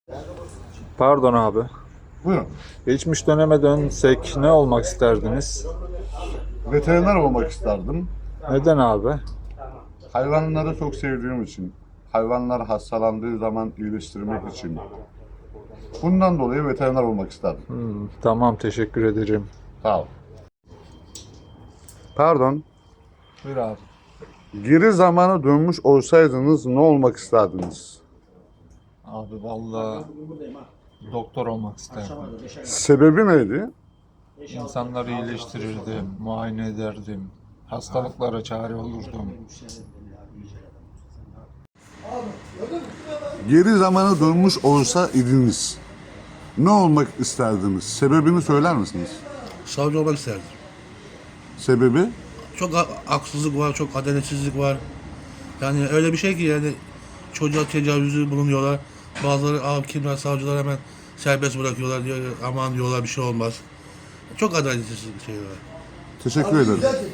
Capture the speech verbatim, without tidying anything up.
Pardon abi. Buyurun. Geçmiş döneme dönsek ne olmak isterdiniz? Veteriner olmak isterdim. Neden abi? Hayvanları çok sevdiğim için. Hayvanlar hastalandığı zaman iyileştirmek için. Bundan dolayı veteriner olmak isterdim. Hmm, tamam, teşekkür ederim. Sağ ol. Pardon. Buyur abi. Geri zamana dönmüş olsaydınız ne olmak isterdiniz? Abi vallahi doktor olmak isterdim. Sebebi neydi? İnsanları iyileştirirdim, muayene ederdim. Hastalıklara çare olurdum. Geri zamana dönmüş olsa idiniz ne olmak isterdiniz? Sebebini söyler misiniz? Savcı olmak isterdim. Sebebi? Çok ha- haksızlık var, çok adaletsizlik var. Yani öyle bir şey ki yani çocuğa tecavüzü bulunuyorlar. Bazıları hakimler, savcılar hemen serbest bırakıyorlar diyor. Aman diyorlar bir şey olmaz. Çok adaletsiz bir şey var. Teşekkür ederim.